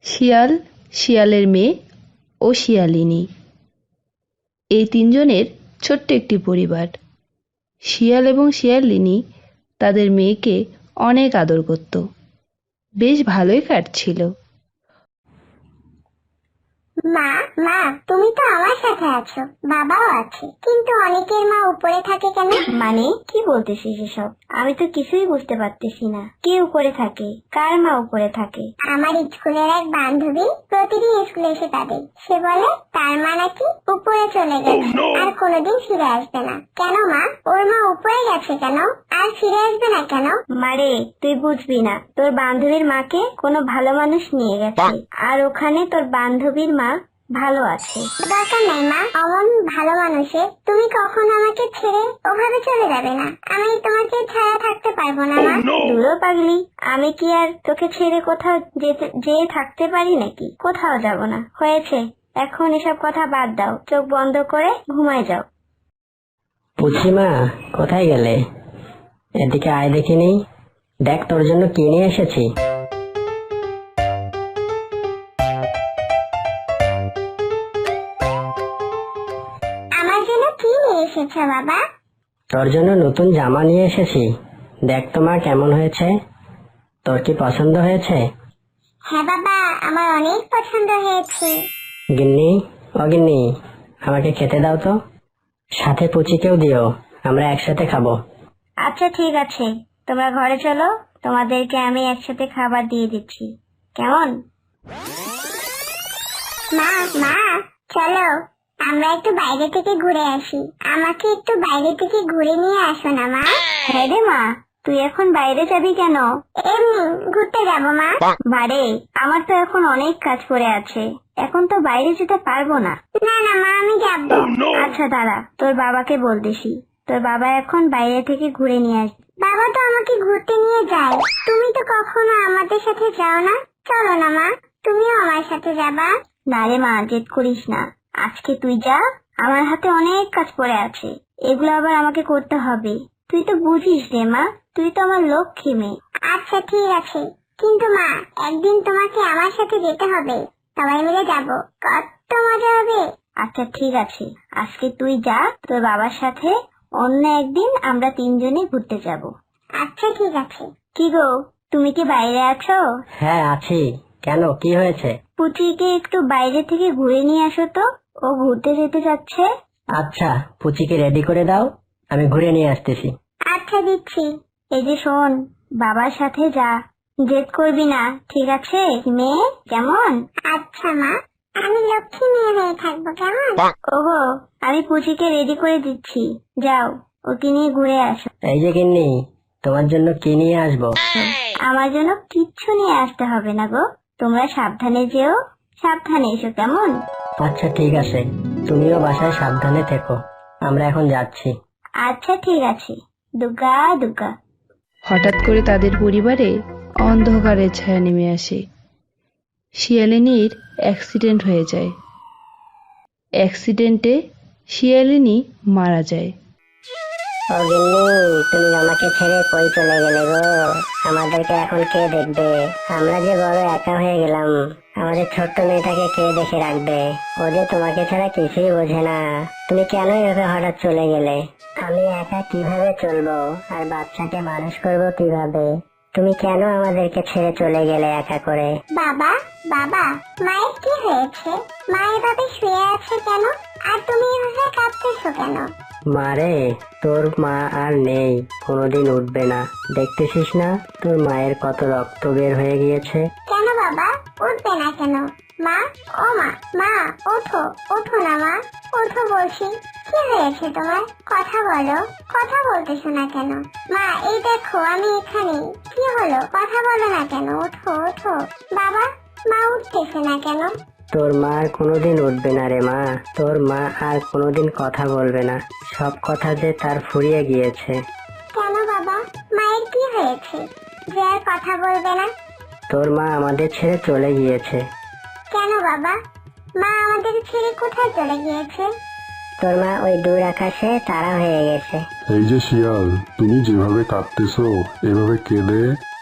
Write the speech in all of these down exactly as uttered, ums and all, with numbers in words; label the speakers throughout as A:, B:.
A: শিয়াল, শিয়ালের মেয়ে ও শিয়ালিনী। এই তিনজনের ছোট্ট একটি পরিবার। শিয়াল এবং শিয়ালিনী তাদের মেয়েকে অনেক আদর করত। বেশ ভালোই কাটছিল।
B: মা মা তুমি তো আমার সাথে আছো, বাবাও আছে, কিন্তু অনেকের মা উপরে থাকে কেন?
C: মানে কি বলতেছিস এসব? আমি তো কিছুই বুঝতে পারতেছি না। কে উপরে থাকে? কার মা উপরে থাকে?
B: আমার স্কুলের এক বান্ধবী প্রতিদিন স্কুলে এসে কাঁদে। সে বলে তার মা নাকি উপরে চলে গেছে আর কোনোদিন ফিরে আসবে না। কেন মা? ওর মা উপরে গেছে কেন আর ফিরে আসবে না কেন?
C: মারে তুই বুঝবি না, তোর বান্ধবীর মাকে কোনো ভালো মানুষ নিয়ে গেছে, আর ওখানে তোর বান্ধবীর মা ভালো আছে।
B: দরকার নাই মা, অমন ভালো মানুষের তুমি কখনো আমাকে ছেড়ে ওভাবে চলে যাবে না। আমি তোমাকে ছাড়া থাকতে পারবো না মা।
C: দূরও পাগলি, আমি কি আর তোকে ছেড়ে কোথাও যেতে যেয়ে থাকতে পারি নাকি? কোথাও যাব না। হয়েছে, এখন এসব কথা বাদ দাও, চোখ বন্ধ করে ঘুমায় যাও।
D: পুচিমা, কোথায় গেলে? এদিকে আয় দেখিনি। দেখ তোর জন্য কি নিয়ে এসেছি।
B: আমার জন্য কি নিয়ে এসেছো বাবা?
D: তোর জন্য নতুন জামা নিয়ে এসেছি। দেখ তো মা, কেমন হয়েছে? তোর কি পছন্দ হয়েছে?
B: হ্যাঁ বাবা, আমার অনেক পছন্দ হয়েছে।
D: গিন্নি, ও গিন্নি, আমাকে খেতে দাও তো। সাথে পুচিকেও দিও, আমরা একসাথে খাবো।
C: আচ্ছা ঠিক আছে, তোমরা ঘরে চলো, তোমাদেরকে আমি একসাথে খাবার দিয়ে দিচ্ছি, কেমন?
B: মা মা চলো আমরা একটু বাইরে থেকে ঘুরে আসি। আমাকে একটু বাইরে থেকে ঘুরে নিয়ে আসো না মা।
C: হ্যাঁ রে মা, তুই এখন বাইরে যাবি কেন?
B: এমনি ঘুরতে যাবো মা।
C: বারে, আমার তো এখন অনেক কাজ পড়ে আছে, এখন তো বাইরে যেতে পারবো না।
B: না না মা, আমি যাবো।
C: আচ্ছা দাঁড়া, তোর বাবাকে বলতেছি, তোর বাবা এখন বাইরে থেকে ঘুরে নিয়ে আসবে।
B: বাবা তো আমাকে ঘুরতে নিয়ে যায়, তুমি তো কখনো আমাদের সাথে যাও না। চলো না মা, তুমিও আমার সাথে যাবা।
C: না রে মা, জেদ করিস না, আজকে তুই যা, আমার হাতে অনেক কাজ পড়ে আছে, এগুলো আবার আমাকে করতে হবে। তুই তো বুঝিস রে মা, তুই তো আমার লক্ষ্মী মেয়ে।
B: আচ্ছা ঠিক আছে, কিন্তু মা একদিন তোমাকে আমার সাথে যেতে হবে। সবাই মিলে যাবো, কত মজা হবে।
C: আচ্ছা ঠিক আছে, আজকে তুই যা, তোর বাবার সাথে অন্য একদিন আমরা তিনজনে ঘুরতে যাব।
B: আচ্ছা ঠিক আছে।
C: কি গো, তুমি কি বাইরে আছো?
D: হ্যাঁ আছি। কেন, কি হয়েছে?
C: পুচিকে একটু বাইরে থেকে ঘুরে নিয়ে আসো তো, ও ঘুরতে যেতে যাচ্ছে।
D: আচ্ছা, পুচিকে রেডি করে দাও, আমি ঘুরে নিয়ে আসতেছি।
B: আচ্ছা দিচ্ছি।
C: এই যে শোন, বাবার সাথে যা, জেদ করবি না, ঠিক আছে মেয়ে? কেমন?
B: আচ্ছা মা, আমি লক্ষ্মী মেয়ে হয়ে থাকবো, কেমন?
C: ওগো, আমি পুচিকে রেডি করে দিচ্ছি, যাও ওকে নিয়ে ঘুরে আসো।
D: এই যে গিন্নি, তোমার জন্য কি নিয়ে আসবো?
C: আমার জন্য কিচ্ছু নিয়ে আসতে হবে না গো, তোমরা সাবধানে যেও, সাবধানে এসো, কেমন?
D: আচ্ছা ঠিক আছে, তুমিও বাসায় সাবধানে থেকো, আমরা এখন যাচ্ছি।
C: আচ্ছা ঠিক আছে, দুর্গা দুর্গা।
A: হঠাৎ করে তাদের পরিবারে অন্ধকারের ছায়া নেমে আসে। শিয়ালিনীর অ্যাক্সিডেন্ট হয়ে যায়। অ্যাক্সিডেন্টে শিয়ালিনী মারা যায়।
D: ও গিন্নি, তুমি আমাকে ছেড়ে কই চলে গেলে গো? আমাদেরকে এখন কে দেখবে? আমরা যে বড় একা হয়ে গেলাম, আমাদের ছোট্ট মেয়েটাকে কে দেখে রাখবে? ও যে তোমাকে ছাড়া কিছুই বোঝে না। তুমি কেন এভাবে হঠাৎ চলে গেলে? আমি একা কিভাবে চলবো আর বাচ্চাকে মানুষ করবো কিভাবে? তুমি কেন আমাদেরকে ছেড়ে চলে গেলে একা করে?
B: বাবা বাবা, মায়ের কি হয়েছে? মা এভাবে শুয়ে আছে কেন? আর তুমি এভাবে কাঁদতেছো কেন?
D: মারে, তোর মা আর নেই, কোনোদিন উঠবে না। দেখতেছিস না তোর মায়ের কত রক্ত বের হয়ে গিয়েছে?
B: কেন বাবা, উঠবে না কেন? মা, ও মা, মা ওঠো, ওঠো না মা, ওঠো বলছি। কি হয়েছে তোমার? কথা বলো, কথা বলতেছো না কেন? মা এই দেখো আমি এখানে। কি হলো, কথা বলো না কেন? ওঠো ওঠো। বাবা, মা উঠতেছে না কেন?
D: তোর মা আর কোনোদিন উঠবে না রে মা, তোর মা আর কোনোদিন কথা বলবে না, সব কথা যে তার ফুরিয়ে গিয়েছে।
B: কেন বাবা, মায়ের কি হয়েছে যে আর কথা বলবে না?
D: তোর মা আমাদের ছেড়ে চলে গিয়েছে।
B: কেন বাবা, মা আমাদের ছেড়ে কোথায় চলে গিয়েছে?
D: তোর মা ওই দূর আকাশে তারা হয়ে গেছে।
E: এই যে শিয়াল, তুমি যেভাবে কাঁদতেছো, এভাবে কেঁদে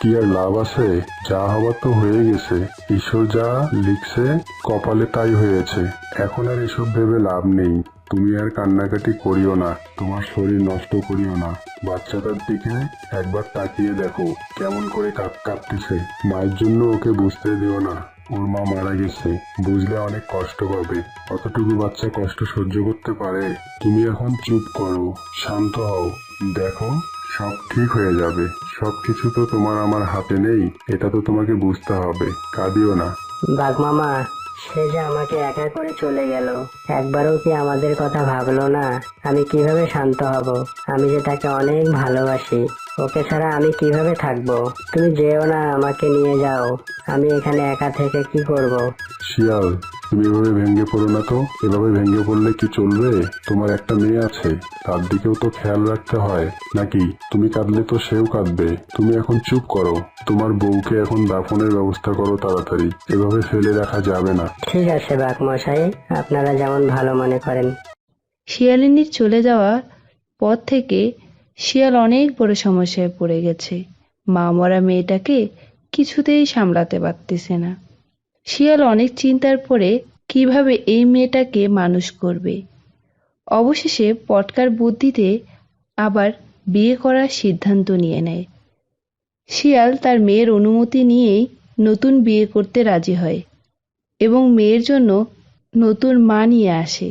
E: কি আর লাভ আছে? যা হবার তো হয়ে গেছে। ঈশ্বর যা লিখছে কপালে তাই হয়েছে। এখন আর এসব ভেবে লাভ নেই। তুমি আর কান্নাকাটি করিও না, তোমার শরীর নষ্ট করিও না। বাচ্চাটার দিকে একবার তাকিয়ে দেখো কেমন করে কাঁপ কাঁপতেছে। মায়ের জন্য ওকে বুঝতে দিও না ওর মা মারা গেছে। বুঝলে অনেক কষ্ট পাবে। অতটুকু বাচ্চা কষ্ট সহ্য করতে পারে? তুমি এখন চুপ করো, শান্ত হও। দেখো সব ঠিক হয়ে যাবে। সবকিছু তো তোমার আমার হাতে নেই, এটা তো তোমাকে বুঝতে হবে। কাঁদিও না।
D: বাঘ মামা, সে যে আমাকে একা করে চলে গেল, একবারও কি আমাদের কথা ভাবলো না? আমি কিভাবে শান্ত হব? আমি যে তাকে অনেক ভালোবাসি। ওকে ছাড়া আমি কিভাবে থাকবো? তুমি যেও না, আমাকে নিয়ে যাও। আমি এখানে একা থেকে কি করব?
E: শিয়াল, তুমি এভাবে ভেঙে পড়ো না তো। এভাবে ভেঙে পড়লে কি চলবে? তোমার একটা মেয়ে আছে, তার দিকেও তো খেয়াল রাখতে হয় নাকি? তুমি কাঁদলে তো সেও কাঁদবে। তুমি এখন চুপ করো। তোমার বউকে এখন দাফনের ব্যবস্থা করো তাড়াতাড়ি। এভাবে ফেলে রাখা যাবে না।
D: ঠিক আছে বাঘ মশাই, আপনারা যেমন ভালো মনে করেন।
A: শিয়ালিনীর চলে যাওয়ার পর থেকে শিয়াল অনেক বড় সমস্যায় পড়ে গেছে। মা মরা মেয়েটাকে কিছুতেই সামলাতে পারতেছে না। শিয়াল অনেক চিন্তার পরে কিভাবে এই মেয়েটাকে মানুষ করবে। অবশেষে পটকার বুদ্ধিতে আবার বিয়ে করার সিদ্ধান্ত নিয়ে নেয়। শিয়াল তার মেয়ের অনুমতি নিয়েই নতুন বিয়ে করতে রাজি হয় এবং মেয়ের জন্য নতুন মা নিয়ে আসে।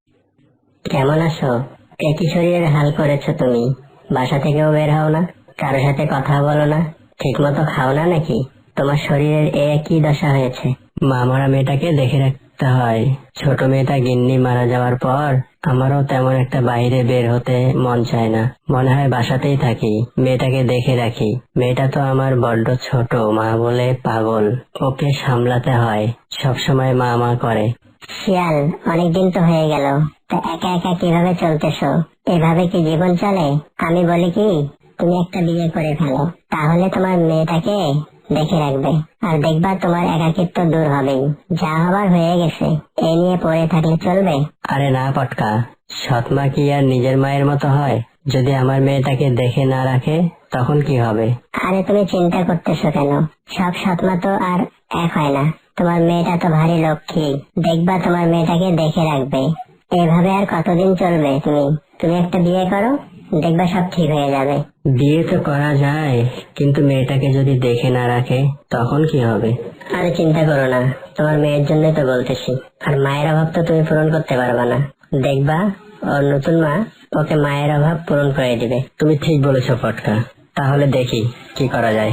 D: কেমন আছো? একই শরীরের হাল করেছো তুমি। বাসা থেকেও বের হও না, কারোর সাথে কথা বলো না, ঠিক মতো খাও না নাকি? তোমার শরীরের এ কি দশা হয়েছে? মা মরা মেয়েটাকে দেখে রাখতে হয়। ছোট মেয়েটা গিন্নি মারা যাওয়ার পর আমারও তেমন একটা বাইরে বের হতে মন চায় না। মনে হয় বাসাতেই থাকি, মেয়েটাকে দেখে রাখি। মেয়েটা তো আমার বড্ড ছোট, মা বলে পাগল। ওকে সামলাতে হয়, সবসময় মা মা করে। শিয়াল, অনেকদিন তো হয়ে গেল, তা একা একা কিভাবে চলতেছো? এভাবে কি জীবন চলে? আমি বলি কি, তুমি একটা বিয়ে করে ফেলো, তাহলে তোমার মেয়েটাকে দেখে রাখবে, আর দেখবা তোমার একাকিত্ব দূর হবেই। যা হবার হয়ে গেছে, এই নিয়ে পড়ে থাকলে চলবে? আরে না পটকা, সৎমা কি আর নিজের মায়ের মতো হয়? যদি আমার মেয়েটাকে দেখে না রাখে তখন কি হবে? আরে তুমি চিন্তা করতেছো কেন? সব সৎমা তো আর এক হয় না। তোমার মেয়েটা তো ভারী লক্ষ্মী, দেখবা তোমার মেয়েটাকে দেখে রাখবে। এভাবে আর কতদিন চলবে? তুমি তুমি একটা বিয়ে করো, দেখবা সব ঠিক হয়ে যাবে। বিয়ে তো করা যায়, কিন্তু মেয়েটাকে যদি দেখে না রাখে তখন কি হবে? আরে চিন্তা করো না, তোমার মেয়ের জন্যই তো বলতেছি। আর মায়ের অভাব তো তুমি পূরণ করতে পারবা না, দেখবা ওর নতুন মা ওকে মায়ের অভাব পূরণ করে দিবে। তুমি ঠিক বলেছো পটকা, তাহলে দেখি কি করা যায়।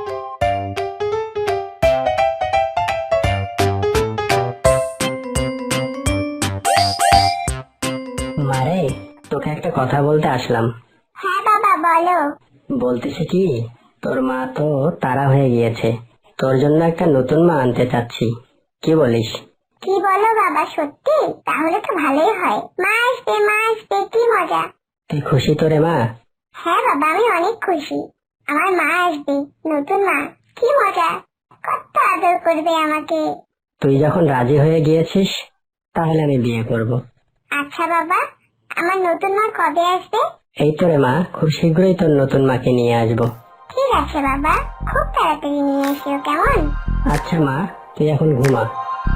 D: মারে, তোকে একটা কথা বলতে আসলাম।
B: হ্যাঁ বাবা, বলো।
D: বলতেছি কি, তোর মা তো তারা হয়ে গিয়েছে, তোর জন্য একটা নতুন মা আনতে চাচ্ছি। কি বলিস?
B: কি বলো বাবা, সত্যি? তাহলে তো ভালোই হয়। মা আসবে, মা আসবে, কি মজা।
D: তুই খুশি তো রে মা?
B: হ্যাঁ বাবা, আমি অনেক খুশি। আমার মা আসবে, নতুন মা, কি মজা। কত আদর করবে আমাকে।
D: তুই যখন রাজি হয়ে গিয়েছিস, তাহলে আমি বিয়ে করব।
B: আচ্ছা বাবা, আমার নতুন মা কবে আসবে?
D: এই তো রে মা, খুব শীঘ্রই তোর নতুন মাকে নিয়ে আসবো।
B: ঠিক আছে বাবা, খুব তাড়াতাড়ি নিয়ে এসো, কেমন?
D: আচ্ছা মা, তুই এখন ঘুমা।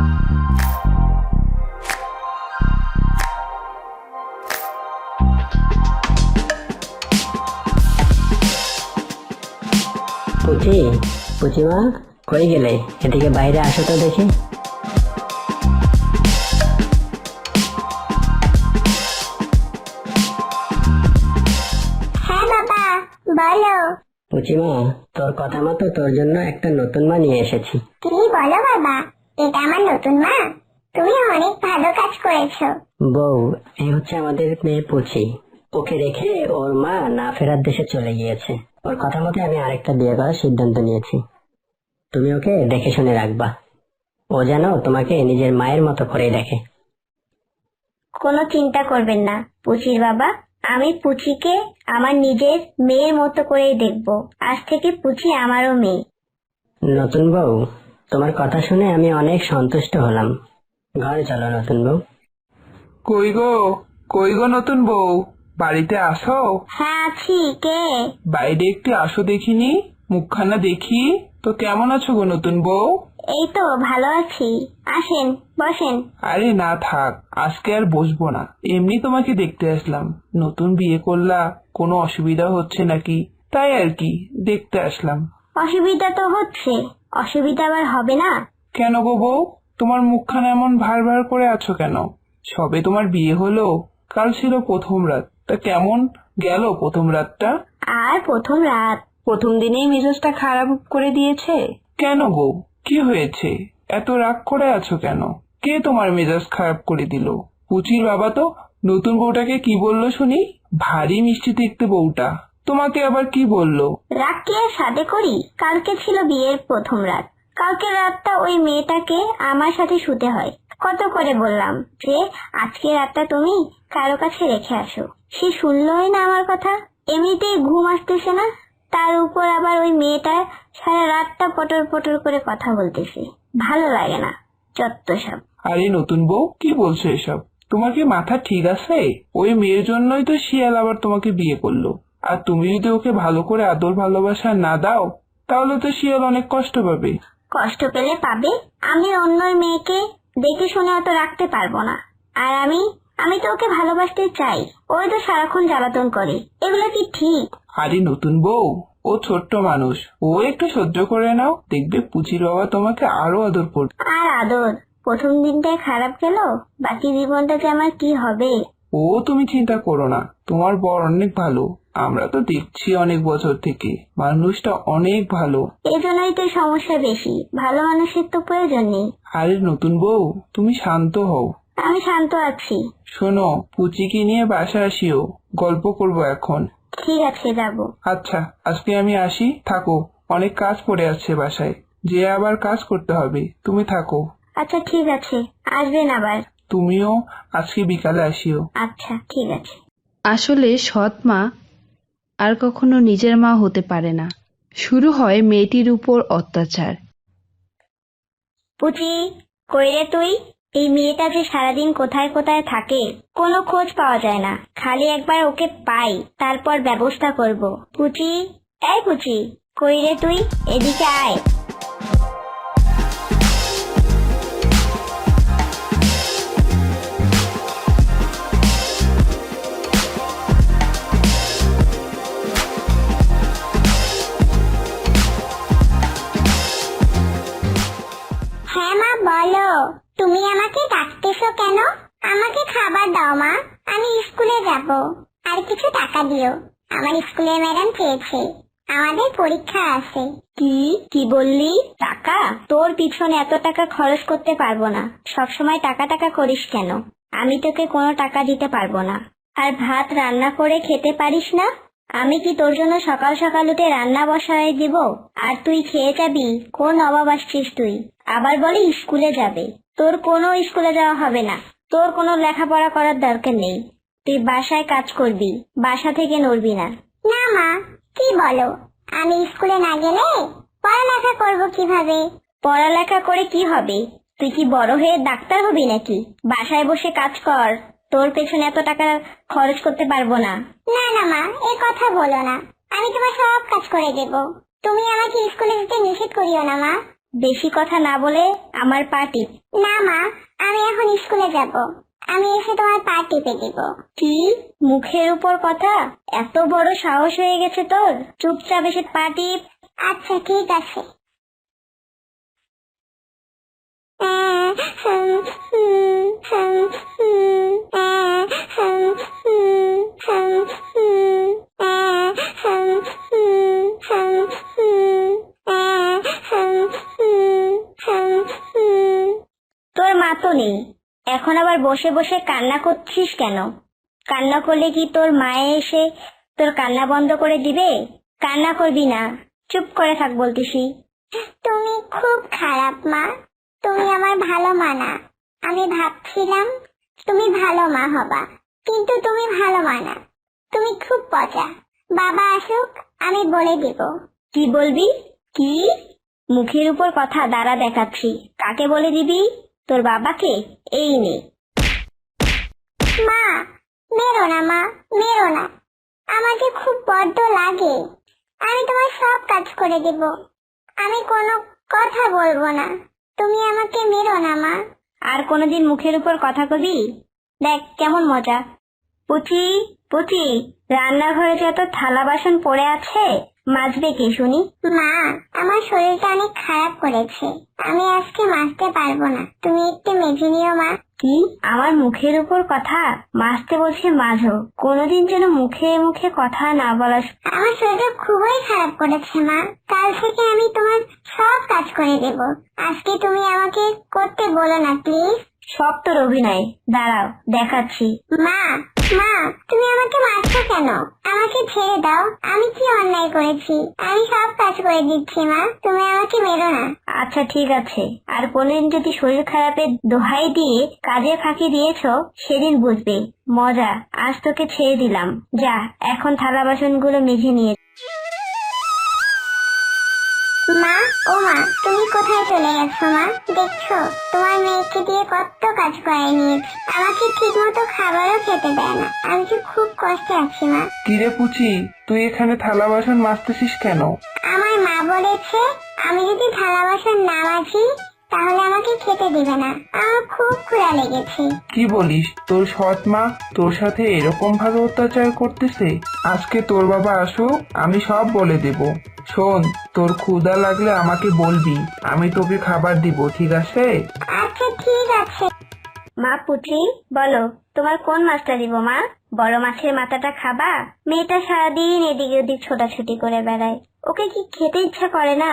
D: পুচি, পুচি মা, কই গেলে? এদিকে বাইরে আসো তো দেখি।
B: হ্যাঁ বাবা, বলো।
D: পুচি মা, তোর কথা মতো তোর জন্য একটা নতুন মা নিয়ে এসেছি।
B: কি বলো বাবা, এটা আমার নতুন মা? তুমি অনেক ভালো কাজ করেছো।
D: বউ, এই হচ্ছে আমাদের মেয়ে পুচি। ওকে রেখে ওর মা না ফেরার দেশে চলে গিয়েছে। ওর কথা মতো আমি আরেকটা বিয়ে করার সিদ্ধান্ত নিয়েছি। তুমি ওকে দেখে শুনে রাখবা, ও যেন তোমাকে নিজের মায়ের মতো করে দেখে।
C: কোনো চিন্তা করবেন না পুচির বাবা, আমি পুচিকে আমার নিজের মেয়ের মতো করেই দেখবো। আজ থেকে পুচি আমারও মেয়ে।
D: নতুন বউ, তোমার কথা শুনে আমি অনেক সন্তুষ্ট হলাম। ঘরে চলো নতুন বউ।
F: কই গো, কই গো নতুন বউ, বাড়িতে আসো।
C: হ্যাঁ আছি, কে?
F: বাইরে একটু আসো দেখিনি। মুখখানা দেখি তো কেমন আছো গো নতুন বউ?
C: এই তো ভালো আছি, আসেন বসেন।
F: আরে না থাক, আজকে আর বসবো না, এমনি তোমাকে দেখতে আসলাম। নতুন বিয়ে করলা, কোনো অসুবিধা হচ্ছে নাকি, তাই আর কি দেখতে আসলাম।
C: অসুবিধা তো হচ্ছে, অসুবিধা আবার হবে না?
F: কেন গো বউ, তোমার মুখখানা এমন ভার ভার করে আছো কেন? সবে তোমার বিয়ে হলো, কাল ছিল প্রথম রাত, তা কেমন গেল প্রথম রাতটা?
C: আর প্রথম রাত, প্রথম দিনেই মেজাজটা খারাপ করে দিয়েছে।
F: কেন গো, কি হয়েছে? এত রাগ করে আছো কেন? কে তোমার মেজাজ খারাপ করে দিল? পুচির বাবা তো নতুন বউটাকে কি বললো শুনি? ভারী মিষ্টি দেখতে বউটা, তোমাকে আবার কি বললো?
C: রাগ কি আর সাথে করি? কালকে ছিল বিয়ের প্রথম রাত, কালকে রাতটা ওই মেয়েটাকে আমার সাথে শুতে হয়। কত করে বললাম যে আজকে রাতটা তুমি কারো কাছে রেখে আসো, সে শুনলোই না আমার কথা। এমনিতেই ঘুম আসতেছে না, তার উপর আবার ওই মেয়েটা সারা রাতটা পটর পটর করে কথা বলতেছে, ভালো লাগে না, যত সব।
F: আরে নতুন বউ, কি বলছো এসব? তোমার কি মাথা ঠিক আছে? ওই মেয়ের জন্যই তো শিয়াল আবার তোমাকে বিয়ে করলো, আর তুমি যদি ওকে ভালো করে আদর ভালোবাসা না দাও, তাহলে তো শিয়াল অনেক কষ্ট পাবে।
C: কষ্ট পেলে পাবে, আমি অন্য মেয়েকে দেখে শুনে অত রাখতে পারবো না। আর আমি আমি তো ওকে ভালোবাসতে চাই, ওই তো সারাক্ষণ জ্বালাতন করে, এগুলো কি ঠিক?
F: আরে নতুন বউ, ও ছোট্ট মানুষ, ও একটু সহ্য করে নাও, দেখবে পুচির বাবা তোমাকে আরো আদর করবে।
C: আর আদর, প্রথম দিনটাই খারাপ গেল, বাকি জীবনটা যে আমার কি হবে?
F: ও তুমি চিন্তা করো না, তোমার বর অনেক ভালো, আমরা তো দেখছি অনেক বছর থেকে, মানুষটা অনেক ভালো।
C: এই জন্যই তো সমস্যা বেশি, ভালো মানুষের তো প্রয়োজন নেই।
F: আরে নতুন বউ, তুমি শান্ত হও।
C: আমি শান্ত আছি।
F: শোনো, পুচিকে নিয়ে বাসা আসিও, গল্প করব এখন।
C: ঠিক আছে, যাব।
F: আচ্ছা, আজকে আমি আসি, থাকো, অনেক কাজ পড়ে আছে বাসায়, যে আবার কাজ করতে হবে, তুমি থাকো।
C: আচ্ছা ঠিক আছে, আসবেন আবার।
F: তুমিও আজকে বিকালে আসিও।
C: আচ্ছা ঠিক আছে।
A: আসলে সৎ মা আর কখনো নিজের মা হতে পারে না। শুরু হয় মেয়েটির উপর অত্যাচার।
C: পুচি, কই রে তুই? এই মেয়েটা যে সারাদিন কোথায় কোথায় থাকে, কোনো খোঁজ পাওয়া যায় না। খালি একবার ওকে পাই, তারপর ব্যবস্থা করব। পুচি, এই পুচি, কই রে তুই? এদিকে আয়।
B: হ্যাঁ মা বলো, তুমি আমাকে ডাকতেছো কেন? আমাকে খাবার দাও মা, আমি স্কুলে যাব। আর কিছু টাকা দিও, আমার স্কুলের ম্যাডাম চেয়েছে, আমাদের পরীক্ষা আছে।
C: কি কি বললি? টাকা? তোর পিছনে এত টাকা খরচ করতে পারবো না। সবসময় টাকা টাকা করিস কেন? আমি তোকে কোনো টাকা দিতে পারবো না। আর ভাত রান্না করে খেতে পারিস না? আমি কি তোর জন্য সকাল সকাল উঠে রান্না বসায় দিব আর তুই খেয়ে যাবি? কোন অভাব আসছিস তুই? আবার বলি স্কুলে যাবে, তোর কোনো স্কুলে যাওয়া হবে না, তোর কোনো লেখাপড়া করার দরকার নেই। তুই বাসায় কাজ করবি, বাসা থেকে নড়বি না।
B: না মা, কি বলো? আমি স্কুলে না গেলে পড়ালেখা করব কিভাবে?
C: পড়ালেখা করে কি হবে? তুই কি বড় হয়ে ডাক্তার হবি নাকি? বাসায় বসে কাজ কর, তোর পেছনে এত টাকা খরচ করতে পারবো না।
B: না না মা, এই কথা বলো না, আমি তোমার সব কাজ করে দেব। তুমি আমাকে স্কুলে যেতে নিষেধ করিও না মা।
C: বেশি কথা না বলে আমার পা টিপ।
B: না মা, আমি এখন স্কুলে যাব, আমি এসে তোমার পা টিপে দিব।
C: কি মুখের উপর কথা? এত বড় সাহস হয়ে গেছে তোর? চুপচাপ এসে পা টিপ।
B: আচ্ছা ঠিক আছে।
C: তোর মা তো নেই, এখন আবার বসে বসে কান্না করছিস কেন? কান্না করলে কি তোর মায়ে এসে তোর কান্না বন্ধ করে দিবে? কান্না করবি না, চুপ করে থাক বলতেছি।
B: তুমি খুব খারাপ মা, তুমি আমার ভালো মা না। আমি ভাবছিলাম তুমি ভালো মা হবা, কিন্তু তুমি ভালো মা না, তুমি খুব পচা। বাবা আসুক, আমি বলে দিব।
C: কি বলবি? কি মুখের উপর কথা? দাঁড়া দেখাচ্ছি, কাকে বলে দিবি? তোর বাবাকে? এই নে।
B: মা মেরো না মা, মেরো না, আমাকে খুব বড্ড লাগে। আমি তোমার সব কাজ করে দিব। আমি কোনো কথা বলবো না। তুমি আমাকে মেরো না মা।
C: আর কোনোদিন মুখের উপর কথা কবি? দেখ কেমন মজা। পুচি পুচি, রান্নাঘরে যত থালা বাসন পড়ে আছে মাজবে কে শুনি?
B: মা, আমার শরীরটা অনেক খারাপ করেছে, আমি আজকে মাজতে পারবো না, তুমি একটু মেজে নিও মা।
C: কি আমার মুখের উপর কথা? মাজতে বলছে মাঝো। কোনোদিন যেন মুখে মুখে কথা না বলা।
B: আমার শরীরটা খুবই খারাপ করেছে মা, কাল থেকে আমি তোমার সব কাজ করে দেব। আজকে তুমি আমাকে করতে বলো না প্লিজ।
C: সব তোর অভিনয়, দাঁড়াও দেখাচ্ছি।
B: মা, মা, তুমি আমাকে মারছো কেন? আমাকে ছেড়ে দাও, আমি কি অন্যায় করেছি? আমি সব কাজ করে দিচ্ছি মা, তুমি আমাকে মেরো না।
C: আচ্ছা ঠিক আছে, আর কোনদিন যদি শরীর খারাপের দোহাই দিয়ে কাজে ফাঁকি দিয়েছো সেদিন বুঝবে মজা। আজ তোকে ছেড়ে দিলাম, যা এখন থালা বাসনগুলো মেজে নিয়ে।
B: মা, ও মা, তুমি কোথায় চলে গেছো মা? দেখছো তোমার মেয়েকে দিয়ে কত কাজ করাই নিয়েছি, আমাকে ঠিক মতো খাবারও খেতে দেয় না। আমি যে খুব কষ্টে আছি মা।
F: কিরে পুচি, তুই এখানে থালা বাসন মাজতেছিস কেন?
B: আমার মা বলেছে আমি যদি থালা বাসন না মাজি তাহলে আমাকে খেতে দিবে না। আমার খুব ক্ষুধা লেগেছে।
F: কি বলিস? তোর সৎ মা তোর সাথে এরকম ভাবে অত্যাচার করতেছে? আজকে তোর বাবা আসুক, আমি সব বলে দেব। শোন, তোর ক্ষুধা লাগলে আমাকে বলবি, আমি তোকে খাবার দিব, ঠিক আছে?
B: আচ্ছা ঠিক আছে।
C: মা পুচি বলো, তোমার কোন মাছটা দিব মা? বড় মাছের মাথাটা খাবা? মেয়েটা সারাদিন এদিকে ওদিক ছোটাছুটি করে বেড়ায়, ওকে কি খেতে ইচ্ছা করে না?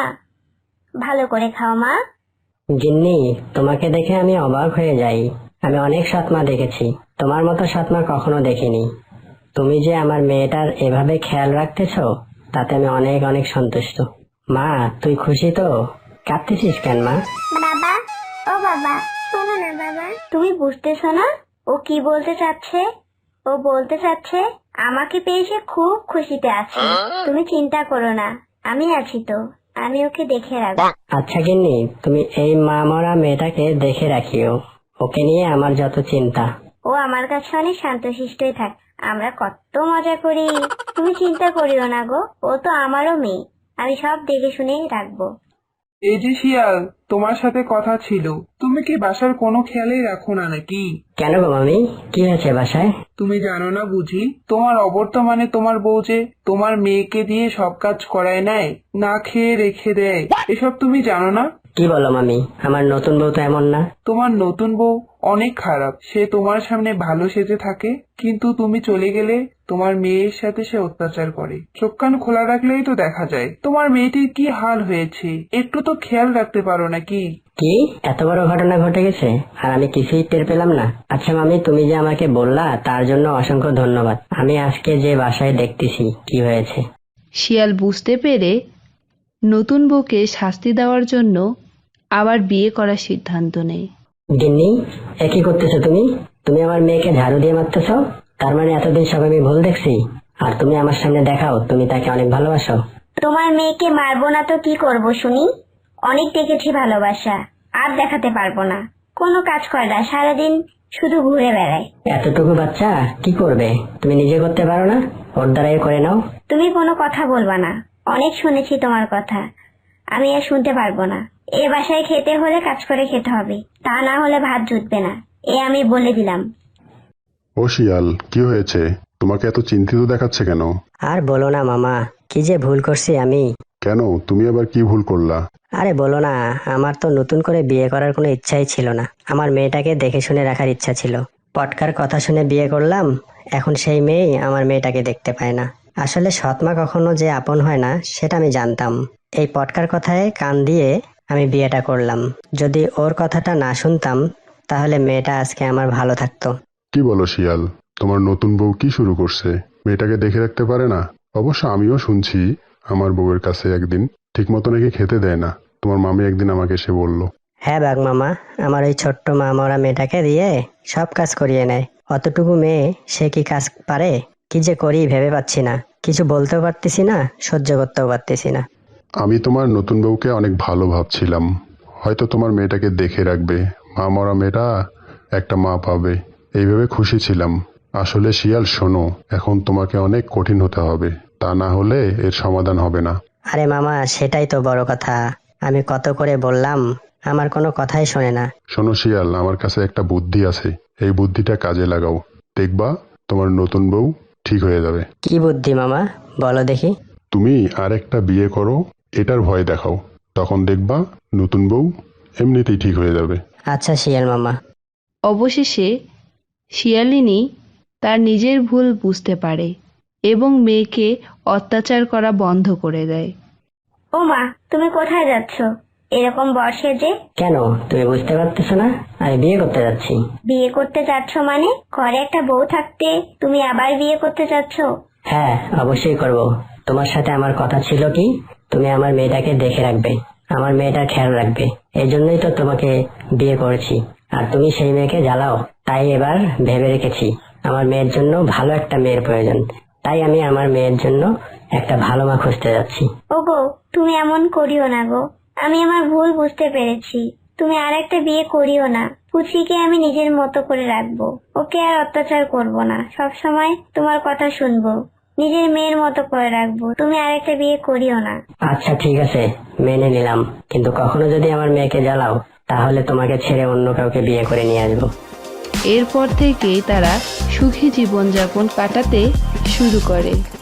C: ভালো করে খাও মা।
D: গিন্নি, তোমাকে দেখে আমি অবাক হয়ে যাই। আমি অনেক সৎমা দেখেছি, তোমার মতো সৎমা কখনো দেখিনি। তুমি যে আমার মেয়েটার এভাবে খেয়াল রাখতেছ তাতে আমি অনেক অনেক সন্তুষ্ট। মা, তুই খুশি তো? কাঁদতেছিস কেন মা?
B: বাবা, ও বাবা, শোনো না বাবা।
C: তুমি বুঝতেছো না ও কি বলতে চাচ্ছে? ও বলতে চাচ্ছে আমাকে পেয়ে সে খুব খুশিতে আছে। তুমি চিন্তা করো না, আমি আছি তো, আমি ওকে দেখে রাখবো।
D: আচ্ছা গিন্নি, তুমি এই মা মরা মেয়েটাকে দেখে রাখিও, ওকে নিয়ে আমার যত চিন্তা।
C: ও আমার কাছে অনেক শান্তশিষ্টই থাক, আমরা কত মজা করি। তুমি চিন্তা করিও না গো, ও তো আমারও মেয়ে, আমি সব দেখে শুনেই রাখবো।
F: এই যে শিয়াল, তোমার সাথে কথা ছিল। তুমি কি বাসার কোনো খেয়ালই রাখো না নাকি?
D: কেন গো মামি, কি হয়েছে বাসায়?
F: তুমি জানো না বুঝি, তোমার অবর্তমানে তোমার বউ যে তোমার মেয়েকে দিয়ে সব কাজ করায় নেয়, না খেয়ে রেখে দেয়, এসব তুমি জানো না?
D: কি বলো মামি, আমার নতুন বউ তো এমন না।
F: তোমার নতুন বউ অনেক খারাপ, সে তোমার সামনে ভালো সেজে থাকে, কিন্তু তুমি চলে গেলে তোমার মেয়ের সাথে সে অত্যাচার করে। চোখ কান খোলা রাখলেই তো দেখা যায় তোমার মেয়েটির কি হাল হয়েছে, একটু তো খেয়াল রাখতে পারো নাকি?
D: কি এত বড় ঘটনা ঘটে গেছে আর আমি কিছুই টের পেলাম না? আচ্ছা মামি, তুমি যে আমাকে বললা তার জন্য অসংখ্য ধন্যবাদ। আমি আজকে যে বাসায় দেখতেছি কি হয়েছে।
A: শিয়াল বুঝতে পেরে নতুন বউকে শাস্তি দেওয়ার জন্য আবার বিয়ে করার সিদ্ধান্ত নেয়।
D: গিন্নি, এ কি করতেছো তুমি? তুমি আমার মেয়েকে ঝাড়ু দিয়ে মারতেছ? তার মানে এতদিন সব আমি ভুল দেখছি, আর তুমি আমার সামনে দেখাও তুমি তাকে অনেক ভালোবাসো।
C: তোমার মেয়েকে মারবো না তো কি করব শুনি? অনেক দেখেছি ভালোবাসা, আর দেখাতে পারবো না। কোনো কাজ করে না, সারাদিন শুধু ঘুরে বেড়ায়।
D: এতটুকু বাচ্চা কি করবে? তুমি নিজে করতে পারো না? ওর দ্বারাই করে নাও।
C: তুমি কোনো কথা বলবা না, অনেক শুনেছি তোমার কথা, আমি আর শুনতে পারবো না। এ বাসায় খেতে হলে কাজ করে খেতে হবে, তা না হলে ভাত জুটবে না, এ আমি বলে দিলাম।
E: ও শিয়াল, কি হয়েছে? তোমাকে এত চিন্তিত দেখাচ্ছে কেন?
D: আর বলো না মামা, কি যে ভুল করছি আমি।
E: কেন, তুমি আবার কি ভুল করলা?
D: আরে বলো না, আমার তো নতুন করে বিয়ে করার কোনো ইচ্ছাই ছিল না। আমার মেয়েটাকে দেখে শুনে রাখার ইচ্ছা ছিল। পটকার কথা শুনে বিয়ে করলাম, এখন সেই মেয়েই আমার মেয়েটাকে দেখতে পায় না। আসলে সৎমা কখনো যে আপন হয় না সেটা আমি জানতাম। এই পটকার কথায় কান দিয়ে আমি বিয়েটা করলাম। যদি ওর কথাটা না শুনতাম তাহলে মেয়েটা আজকে আমার ভালো থাকতো।
E: কি বলো শিয়াল, তোমার নতুন বউ কি শুরু করছে? মেয়েটাকে দেখে রাখতে পারে না? অবশ্য আমিও শুনছি আমার বউয়ের কাছে একদিন ঠিক মতো নাকি খেতে দেয় না। তোমার মামি একদিন আমাকে এসে বলল।
D: হ্যাঁ বাঘ মামা, আমার ওই ছোট্ট মা মরা মেয়েটাকে দিয়ে সব কাজ করিয়ে নেয়। অতটুকু মেয়ে, সে কি কাজ পারে? কি যে করি ভেবে পাচ্ছি না, কিছু বলতেও পারতেছি না, সহ্য করতেও পারতেছি না।
E: আমি তোমার নতুন বউকে অনেক ভালো ভাবছিলাম, হয়তো তোমার মেয়েটাকে দেখে রাখবে, মা মরা মেয়েটা একটা মা পাবে, এইভাবে খুশি ছিলাম। আসলে শিয়াল শোনো, এখন তোমাকে অনেক কঠিন হতে হবে, তা না হলে এর সমাধান হবে না।
D: আরে মামা, সেটাই তো বড় কথা। আমি কত করে বললাম, আমার কোনো কথাই শোনে না।
E: শোনো শিয়াল, আমার কাছে একটা বুদ্ধি আছে, এই বুদ্ধিটা কাজে লাগাও, দেখবা তোমার নতুন বউ ঠিক হয়ে যাবে।
D: কি বুদ্ধি মামা, বলো দেখি।
E: তুমি আর একটা বিয়ে করো, এটার ভয় দেখাও, তখন দেখবা নতুন বউ এমনিতেই ঠিক হয়ে যাবে।
D: আচ্ছা শিয়াল মামা।
A: অবশেষে শিয়ালিনী তার নিজের ভুল বুঝতে পারে এবং মেয়েকে অত্যাচার করা বন্ধ করে দেয়।
C: ও মা, তুমি কোথায় যাচ্ছ এরকম বর্ষে যে?
D: কেন, তুমি বুঝতে পারতেছো না? আমি বিয়ে করতে যাচ্ছি।
C: বিয়ে করতে যাচ্ছ মানে? ঘরে একটা বউ থাকতে তুমি আবার বিয়ে করতে যাচ্ছ?
D: হ্যাঁ, অবশ্যই করব। তোমার সাথে আমার কথা ছিল কি, তুমি আমার মেয়েটাকে দেখে রাখবে, আমার মেয়েটার খেয়াল রাখবে। এই জন্যই তো তোমাকে বিয়ে করেছি। আর তুমি সেই মেয়েকে জ্বালাও, তাই এবার ভেবে রেখেছি আমার মেয়ের জন্য ভালো একটা মেয়ের প্রয়োজন। তাই আমি আমার মেয়ের জন্য একটা ভালো মা খুঁজতে যাচ্ছি।
C: ওগো, তুমি এমন করিও না গো, আমি আমার ভুল বুঝতে পেরেছি। তুমি আর একটা বিয়ে করিও না। পুচিকে আমি নিজের মতো করে রাখবো, ওকে আর অত্যাচার করব না, সব সময় তোমার কথা শুনবো, নিজের মেয়ের মতো করে রাখবো। তুমি আর একটা বিয়ে করিও না।
D: আচ্ছা ঠিক আছে, মেনে নিলাম, কিন্তু কখনো যদি আমার মেয়েকে জ্বালাও তাহলে তোমাকে ছেড়ে অন্য কাউকে বিয়ে করে নিয়ে আসবো।
A: এরপর থেকেই তারা সুখী জীবনযাপন কাটাতে শুরু করে।